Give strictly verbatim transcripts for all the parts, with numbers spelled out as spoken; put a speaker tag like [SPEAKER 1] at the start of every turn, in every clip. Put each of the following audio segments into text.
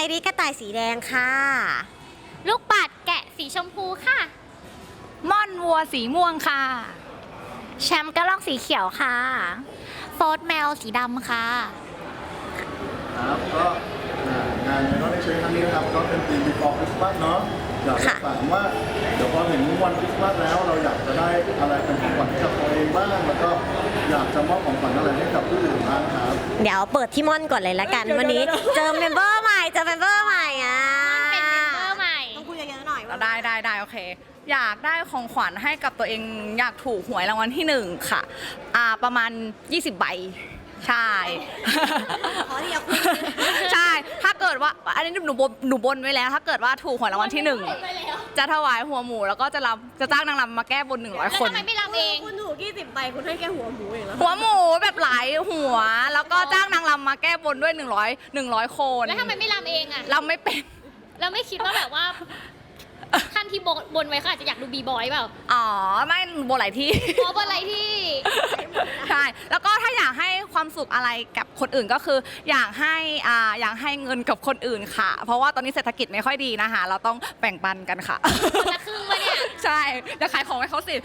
[SPEAKER 1] ริกระต่ายสีแดงค่ะ
[SPEAKER 2] ลูกปัดแกะสีชมพูค่ะ
[SPEAKER 3] ม่อนวัวสีม่วงค่ะ
[SPEAKER 2] แชมป์กระรอกสีเขียวค่ะโฟร์แมวสีดำค่ะ
[SPEAKER 4] ครับก็งานในรอบในเชิงครั้งนี้นะครับก็เป็นปี before Christmas เนาะอยากจะถามว่าเดี๋ยวพอถึงวันคริสต์มาสแล้วเราอยากจะได้อะไรเป็นของขวัญให้กับตัวเองบ้างแล้วก็อยากจะมอบของขวัญอะไรให้กับผู้อื่นบ้างครับ
[SPEAKER 1] เดี๋ยวเปิดที่ม่อนก่อนเลยละกันวันนี้เจอเมมเบอร์ใหม่เจอเมมเบอร์ใหม่อ่ะ
[SPEAKER 2] เป็นเมมเบอร์ใหม่
[SPEAKER 1] ต้องคุยเยอะๆหน่อยว่า
[SPEAKER 3] ได้ได้ได้โอเคอยากได้ของขวัญให้กับตัวเองอยากถูกหวยรางวัลที่หนึ่งค่ะอ่าประมาณยี่สิบใบใช่
[SPEAKER 1] ขอที่เอาคุย
[SPEAKER 3] ใช่ถ้าเกิดว่าอันนี้หนูบนหนูบนไว้แล้ว ถ้าเกิดว่าถูกหวยรางวัลที่หนึ่งจะถวายหัวหมูแล้วก็จะรำจะจ้างนางรำมาแก้บนหนึ่งร้อยคน
[SPEAKER 2] แล้วทำไมไม่รำเอง
[SPEAKER 1] คุณถูกยี่สิบใบคุณให้แค่หัวหมูเองเหรอ
[SPEAKER 3] หัวหมูแบบหลายหัวแล้วก็จ้างนางรำมาแก้บนด้วยหนึ่งร้อยหนึ่งร้อยคน
[SPEAKER 2] แล้วทำไมไม่รำเองอ่ะ
[SPEAKER 3] รำไม่เป็น
[SPEAKER 2] เราไม่คิดว่าแบบว่าท่านที่บนไว้เขาอาจจะอยากดูบีบอยเปล่า
[SPEAKER 3] อ๋อไม่บนหลายที่
[SPEAKER 2] อ๋อบนหลายที่
[SPEAKER 3] ใช่แล้วก็ถ้าอยากให้ความสุขอะไรกับคนอื่นก็คืออยากให้อ่าอยากให้เงินกับคนอื่นค่ะเพราะว่าตอนนี้เศรษฐกิจไม่ค่อยดีนะคะเราต้องแบ่งปันกันค่ะ
[SPEAKER 2] คนละครึ่งวะเนี่ย
[SPEAKER 3] ใช่จะขายของให้เขาสิ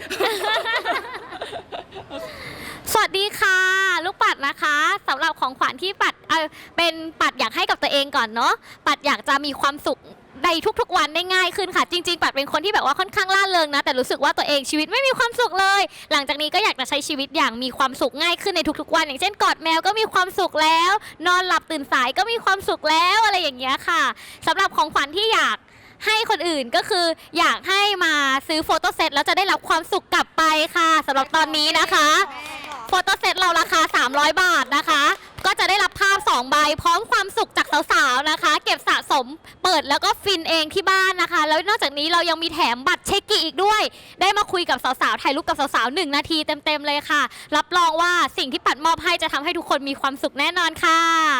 [SPEAKER 2] สวัสดีค่ะลูกปัดนะคะสำหรับของขวัญที่ปัดเออเป็นปัดอยากให้กับตัวเองก่อนเนาะปัดอยากจะมีความสุขในทุกๆวันได้ง่ายขึ้นค่ะจริงๆปัดเป็นคนที่แบบว่าค่อนข้างล่าเริงนะแต่รู้สึกว่าตัวเองชีวิตไม่มีความสุขเลยหลังจากนี้ก็อยากจะใช้ชีวิตอย่างมีความสุขง่ายขึ้นในทุกๆวันอย่างเช่นกอดแมวก็มีความสุขแล้วนอนหลับตื่นสายก็มีความสุขแล้วอะไรอย่างเงี้ยค่ะสำหรับของขวัญที่อยากให้คนอื่นก็คืออยากให้มาซื้อโฟโต้เซตแล้วจะได้รับความสุขกลับไปค่ะสำหรับตอนนี้นะคะโฟโต้เซตเราราคาสามร้อยบาทนะคะก็จะได้รับภาพสองใบพร้อมความสุขจากสาวๆนะคะเก็บสะสมเปิดแล้วก็ฟินเองที่บ้านนะคะแล้วนอกจากนี้เรายังมีแถมบัตรเช็คกี้อีกด้วยได้มาคุยกับสาวๆถ่ายรูปกับสาวๆหนึ่งนาทีเต็มๆเลยค่ะรับรองว่าสิ่งที่ปัดมอบให้จะทำให้ทุกคนมีความสุขแน่นอนค่ะ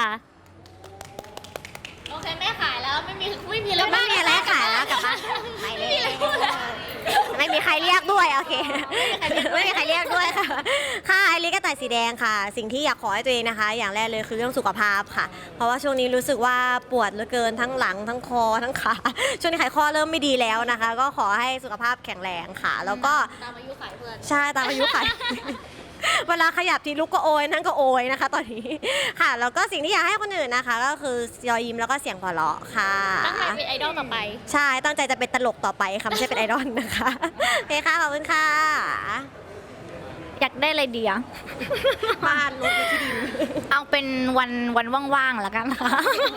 [SPEAKER 2] โอเคไม่ขายแล้วไม่มีไม่มีแล้ว
[SPEAKER 1] ไม่มีอะไรขายแล้วกลับบ้านไปเลยไม่มีใครเรียกด้วยโอเคไม่มีใครเรียกด้วยค่ะค่ะไอริกระต่ายสีแดงค่ะสิ่งที่อยากขอให้ตัวเองนะคะอย่างแรกเลยคือเรื่องสุขภาพค่ะเพราะว่าช่วงนี้รู้สึกว่าปวดเหลือเกินทั้งหลังทั้งคอทั้งขาช่วงนี้ไขข้อเริ่มไม่ดีแล้วนะคะก็ขอให้สุขภาพแข็งแรงค่ะแล้วก็
[SPEAKER 2] ตามอายุขายเพื่อน
[SPEAKER 1] ใช่ตามอายุขายเวลาขยับทีลุกก็โอยนั่นก็โอยนะคะตอนนี้ค่ะแล้วก็สิ่งที่อยากให้คนอื่นนะคะก็คือรอยยิ้มแล้วก็เสียงหัวเราะค่ะ
[SPEAKER 2] ตั้งใจเป็นไอดอลต่อไป
[SPEAKER 1] ใช่ตั้งใจจะเป็นตลกต่อไปค่ะไม่ใช่เป็นไอดอลนะคะโอเคค่ะขอบคุณค่ะ
[SPEAKER 3] อยากได้อะไรดีอะ
[SPEAKER 1] บ้านรถที่ดิน
[SPEAKER 3] เอาเป็นวันวันว่างๆแล้วกันค่ะ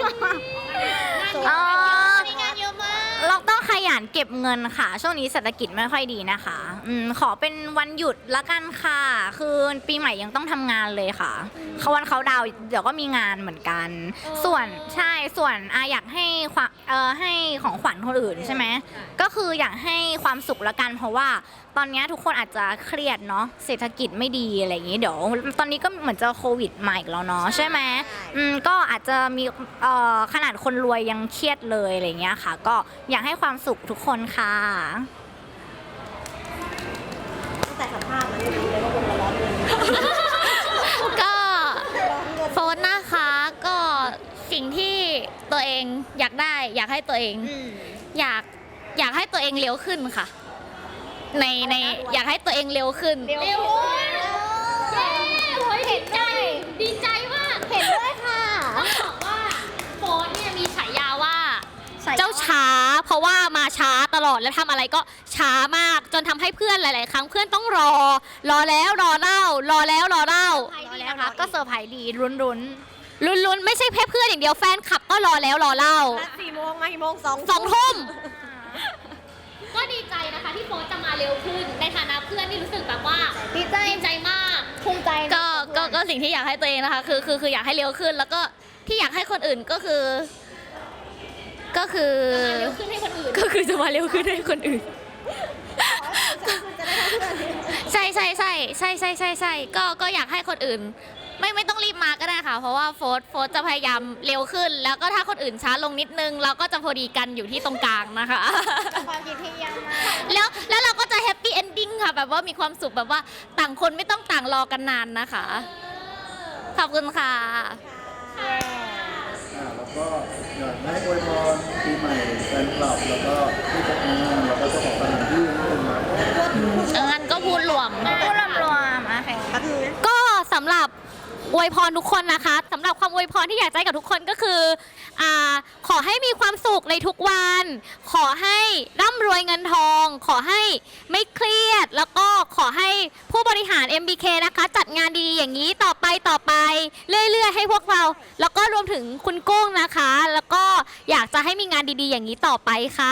[SPEAKER 2] มีงานเยอะมาก
[SPEAKER 3] เราต้องขยันเก็บเงินค่ะช่วงนี้เศรษฐกิจไม่ค่อยดีนะคะอืมขอเป็นวันหยุดละกันค่ะคือปีใหม่ยังต้องทำงานเลยค่ะเขาวันเขาดาวเดี๋ยวก็มีงานเหมือนกันส่วนใช่ส่วนอาอยากให้ความเอ่อให้ของขวัญคนอื่นใช่ไหมก็คืออยากให้ความสุขละกันเพราะว่าตอนนี้ทุกคนอาจจะเครียดเนาะเศรษฐกิจไม่ดีอะไรอย่างนี้เดี๋ยวตอนนี้ก็เหมือนจะโควิดใหม่แล้วเนาะใช่ไหมอืมก็อาจจะมีเอ่อขนาดคนรวยยังเครียดเลยอะไรเงี้ยค่ะก็อยากให้ความสุขทุกคนค่ะ
[SPEAKER 1] ตั้งแต่สัมภาษณ์มันไม่รู้เลยว่าคนร้อนเงิน
[SPEAKER 2] ก็โฟนนะคะก็สิ่งที่ตัวเองอยากได้อยากให้ตัวเองอยากอยากให้ตัวเองเร็วขึ้นค่ะในในอยากให้ตัวเองเร็วขึ้นเร็วเย้เห็นใจดีใจมาก
[SPEAKER 1] เห็นด้วยค่ะ
[SPEAKER 2] ต้องบอกว่าโฟนเนี่ยมีฉายาว่าเจ้าช้าเพราะว่ามาช้าตลอดและทำอะไรก็ช้ามากจนทำให้เพื่อนหลายๆครั้งเพื่อนต้องรอรอแล้วรอเล่ารอแล้วรอเล่ารอแล้วนะคะก็เซอร์ไพรส์ดีรุนรุนรุนรุนไม่ใช่แค่เพื่อนอย่างเดียวแฟนคลับก็รอแล้วรอเล่า
[SPEAKER 1] สี่โมงมากี่โมงสอง
[SPEAKER 2] สองทุ่มก็ดีใจนะคะที่โฟนจะมาเร็วขึ้นในฐานะเพื่อนที่รู้สึกแบบว่า
[SPEAKER 1] ดีใจ
[SPEAKER 2] ดีใจมาก
[SPEAKER 1] ภูมิใจ
[SPEAKER 2] ก็ก็ก็สิ่งที่อยากให้ตัวเองนะคะคือคือคืออยากให้เร็วขึ้นแล้วก็ที่อยากให้คนอื่นก็คือก็คือจะมาเร็วขึ้นให้คนอื่นก็คือจะมาเร็วขึ้นให้คนอื่นใช่ใช่ใช่ใช่ใช่ใช่ใช่ก็ก็อยากให้คนอื่นไม่ไม่ต้องรีบมาก็ได้ค่ะเพราะว่าโฟร์โฟร์จะพยายามเร็วขึ้นแล้วก็ถ้าคนอื่นช้าลงนิดนึงเราก็จะพอดีกันอยู่ที่ตรงกลางนะคะ
[SPEAKER 1] ความคิดที่ยังมาก
[SPEAKER 2] แล้วแล้วเราก็จะแฮปปี้เอนดิ้งค่ะแบบว่ามีความสุขแบบว่าต่างคนไม่ต้องต่างรอกันนานนะคะขอบคุณค่ะ
[SPEAKER 4] แล้วก็ก็อยากให้อวยพรปีใหม่แฟนคลับแล้วก็ผู้จัดงานแล้วก็เจ้าของสถานที่นิดนึงนะ
[SPEAKER 2] งั้นก็พูดรวม
[SPEAKER 3] พูดรวมๆอ่ะค่ะ
[SPEAKER 1] แป๊บนึงนะ
[SPEAKER 2] ก็สำหรับอวยพรทุกคนนะคะสำหรับความอวยพรที่อยากจะให้กับทุกคนก็คืออ่าขอให้มีความสุขในทุกวัน ขอให้ร่ำรวยเงินทอง ขอให้ไม่เครียด แล้วก็ขอให้ผู้บริหาร เอ็ม บี เค นะคะ จัดงานดีๆอย่างนี้ต่อไปต่อไป เรื่อยๆ ให้พวกเรา แล้วก็รวมถึงคุณกุ้งนะคะ แล้วก็อยากจะให้มีงานดีๆ อย่างนี้ต่อไปค่ะ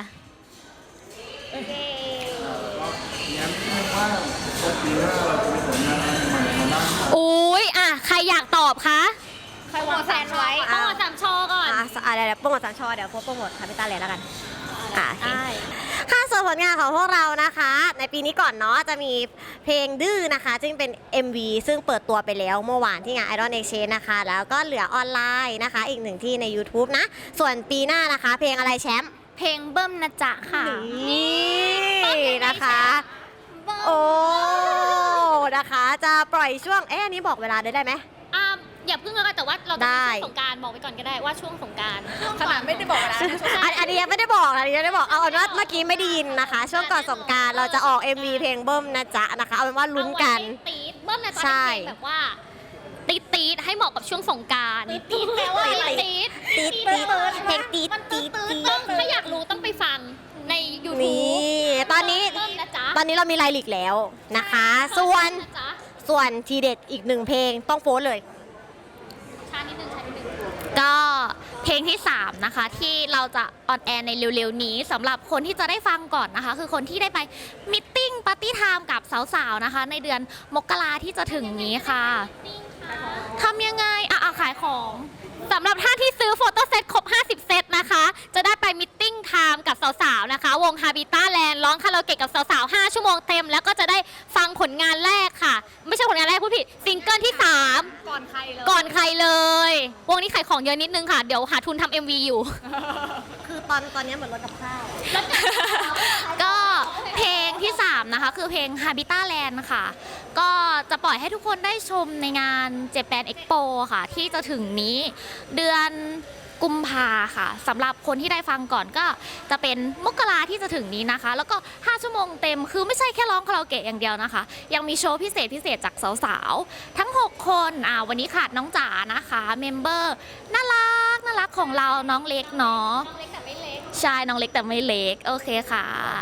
[SPEAKER 4] งั้นไม่ว่าปีหน้าเราจะมีผลงานอะไรใหม่มาบ้าง
[SPEAKER 2] อุ้ยอ่ะใครอยากตอบคะ
[SPEAKER 3] ใครวางแผนไว้
[SPEAKER 2] ต้องมาสามชอก่อน
[SPEAKER 1] อ่ะอ่ะเดี๋ยวเดี๋ยวโปรโมทสามชอเดี๋ยวโพสต์โปรโมทคาปิตาเลยแล้วกันอ่ะโอเคค่ะส่วนผลงานของพวกเรานะคะ ในปีนี้ก่อนเนาะจะมีเพลงดื้อนะคะ ซึ่งเป็น เอ็ม วี ซึ่งเปิดตัวไปแล้วเมื่อวานที่งาน Idol Exchange นะคะ แล้วก็เหลือออนไลน์นะคะ อีกหนึ่งที่ใน YouTube นะ ส่วนปีหน้านะคะ เพลงอะไรแชมป์
[SPEAKER 3] เพลงเบิ้มนะจ๊ะค่ะ
[SPEAKER 1] นี่นะคะ โอ้ นะคะ จะปล่อยช่วง เอ๊ะอันนี้บอกเวลาได้ได้ไหม
[SPEAKER 2] อ่าอย่าเพิ่งแล้วกันแต่ว่าเราจะ
[SPEAKER 1] ได้
[SPEAKER 2] มีช่วงสงกรารบอกไปก่อนก็ได้ว่าช่วงสงกราร
[SPEAKER 3] ขนาดไม่ได้บอกนะ
[SPEAKER 1] อันอันนี้ยังไม่ได้บอกนะอันนี้ยังไม่ได้บอก เอาเป็นว่าเมื่อกี้ไม่ได้ยินนะคะ ช่วงก่อนสงกรารเราจะออก เอ็ม วี เพลงเบิ้มนะจ๊ะนะคะ เอาเป็นว่าลุ้นกัน
[SPEAKER 2] ตีดเบิ้มนะจ๊ะ
[SPEAKER 1] ใช่
[SPEAKER 2] เป็นเพลงแบบว่าตีดตีดให้เหมาะกับช่วงสงกรารตีดแปลว่าตีด
[SPEAKER 1] ตีดตีดเพลงตีดตีดตีด
[SPEAKER 2] ต้องถ้าอยากรู้ต้องไปฟังใน ยูทูบ
[SPEAKER 1] นี่ ตอนนี้
[SPEAKER 2] เบิ้มนะจ๊ะ
[SPEAKER 1] ตอนนี้เรามีไลลิกแล้วนะคะ ส่วน
[SPEAKER 2] นะจ๊ะ
[SPEAKER 1] ส่วนทีเด็ดอีกหนึ่งเพลงต้องโฟนเลย
[SPEAKER 2] ช้านิดนึงช้านิดนึง
[SPEAKER 5] ก็เพลงที่ สาม นะคะ ที่เราจะออนแอร์ในเร็วๆนี้สำหรับคนที่จะได้ฟังก่อนนะคะ คือคนที่ได้ไปมิทติ้งปาร์ตี้ไทม์กับสาวๆนะคะ ในเดือนมกราที่จะถึงนี้ค่ะทำยังไงอ่ะอ่ะขายของสำหรับท่านที่ซื้อโฟโต้เซตครบ ห้าสิบ เซตนะคะ จะได้ไปมิทติ้งไทม์กับสาวๆนะคะ วง Habitat Land ร้องคาราโอเกะกับสาวๆ ห้า ชั่วโมงเต็ม แล้วก็จะได้ฟังผลงานแรกค่ะ ไม่ใช่ผลงานแรกพูดผิดซิงเกิลที่ สาม
[SPEAKER 2] ก่อนใครเลย
[SPEAKER 5] ก่อนใครเลย วงนี้ขายของเยอะนิดนึงค่ะ เดี๋ยวหาทุนทำ เอ็ม วี อยู่
[SPEAKER 1] คือตอนตอนนี้เหมือนรถกับข้าว
[SPEAKER 5] ก็เพลงที่ สาม นะคะ คือเพลง Habitat Land ค่ะ ก็จะปล่อยให้ทุกคนได้ชมในงาน Japan Expo ค่ะ ที่จะถึงนี้เดือนกุมภาค่ะสำหรับคนที่ได้ฟังก่อนก็จะเป็นมกราที่จะถึงนี้นะคะ แล้วก็ ห้า ชั่วโมงเต็มคือไม่ใช่แค่ร้องคาราโอเกะอย่างเดียวนะคะ ยังมีโชว์พิเศษพิเศษจากสาวๆ ทั้ง หก คนอ่าวันนี้ขาดน้องจ๋านะคะเมมเบอร์น่ารักน่ารักของเราน้องเล็กเนาะ
[SPEAKER 2] น้องเล็กแต่ไม่เล็ก
[SPEAKER 5] ใช่น้องเล็กแต่ไม่เล็ก โอเคค่ะ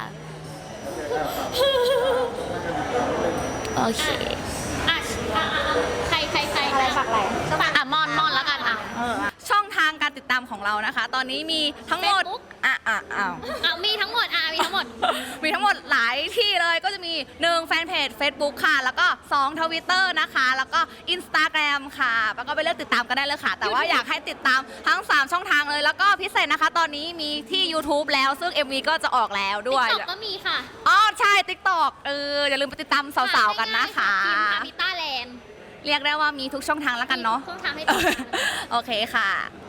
[SPEAKER 5] โอเค
[SPEAKER 2] อ่ะอ่ะอ่ะอ่ะใครใครใคร
[SPEAKER 1] อะไรฝากอะไร
[SPEAKER 2] ฝาก
[SPEAKER 5] อ่ะมอนมอนแล้วกันอ่ะ
[SPEAKER 6] ช่องทางการติดตามของเรานะคะ ตอนนี้มีทั้งหมด
[SPEAKER 2] Facebook
[SPEAKER 6] อ่ะอ่ะอ้าว
[SPEAKER 2] อ่ะมีทั้งหมดอ่ะมีทั้งหมด
[SPEAKER 6] มีทั้งหมดหลายที่เลยก็จะมีหนึ่งแฟนเพจ Facebook ค่ะ แล้วก็สองทวิตเตอร์นะคะ แล้วก็ Instagram ค่ะ แล้วก็ไปเลือกติดตามกันได้เลยค่ะ แต่ว่าอยากให้ติดตามทั้ง สาม ช่องทางเลย แล้วก็พิเศษนะคะ ตอนนี้มีที่ YouTube แล้วซึ่ง เอ็ม วี ก็จะออกแล้วด้วย
[SPEAKER 2] TikTok ก็มีค่ะ
[SPEAKER 6] อ๋อใช่ TikTok เอออย่าลืมไปติดตามสาวๆกันนะคะ
[SPEAKER 2] ทีมฮาบิต้าแลนด์
[SPEAKER 6] เรียกได้ว่ามีทุกช่องทางแล้วกันเนาะ
[SPEAKER 2] ช่องทางให้ติดตาม
[SPEAKER 6] โอเคค่ะ